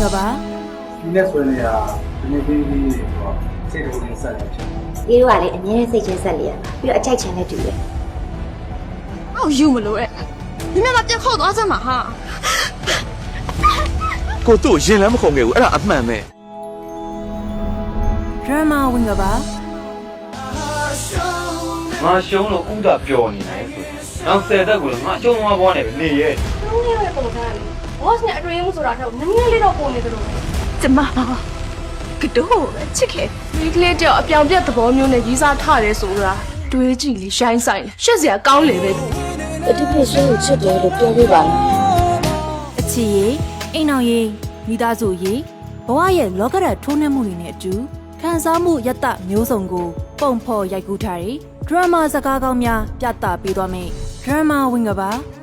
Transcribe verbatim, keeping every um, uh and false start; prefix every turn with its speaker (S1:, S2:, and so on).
S1: ကပါ
S2: ဒီနေ့ဆွေးနွေးတာဒီနေ့ပြီးပြီးတော့စိတ်တော်ရင်းဆက်နေဖြစ်
S3: ဒီတို့ကလေအမြဲစိတ်ချင်းဆက်လေရပြီးတော့အကြိုက်ချင်လည်းတူတယ်
S1: အော်ယူမလို့အဲ့你们把店扣多少嘛哈
S4: ကိုတို့ရင်လည်းမခုံခဲ့ဘူးအဲ့ဒါအမှန်ပဲ
S1: ဒရမာဝင်ကပါ
S5: ငါရှုံးလို့ဥဒပျော်နေတယ်ဆိုနောက်ဆယ်သက်ကိုငါရှုံးသွားပေါ်နေပဲနေရဲ့
S6: လုံးရတဲ့ပုံစံလေး boss နဲ့အတွေ့အမှုဆိုတာတော့နည်းနည်းလေးတော့ပုံနေသလို
S1: ကျမကတော့ချစ်ခဲ့
S6: ဒီကလေးတယောက်အပြောင်ပြတ်သဘောမျိုးနဲ့ရီးစားထရဲဆိုတာတွေးကြည့်လေရှိုင်းဆိုင်ရှက်စရာကောင်းလေပဲ
S3: အတိဖြစ်ရှင်ကိုချစ်တယ်လို့ပြောပြပါလား
S1: အချစ်ရေးအိမ်အောင်ရေးမိသားစုရေးဘဝရဲ့လောကဓာတ်ထိုးနှက်မှုတွေနဲ့အတူခံစားမှုယတ္တမျိုးစုံကိုပုံဖော်ရိုက်ကူးထားတဲ့ဒရမာစကားကောင်းများပြသပေးသွားမယ်ဒရမာဝင်ကပါ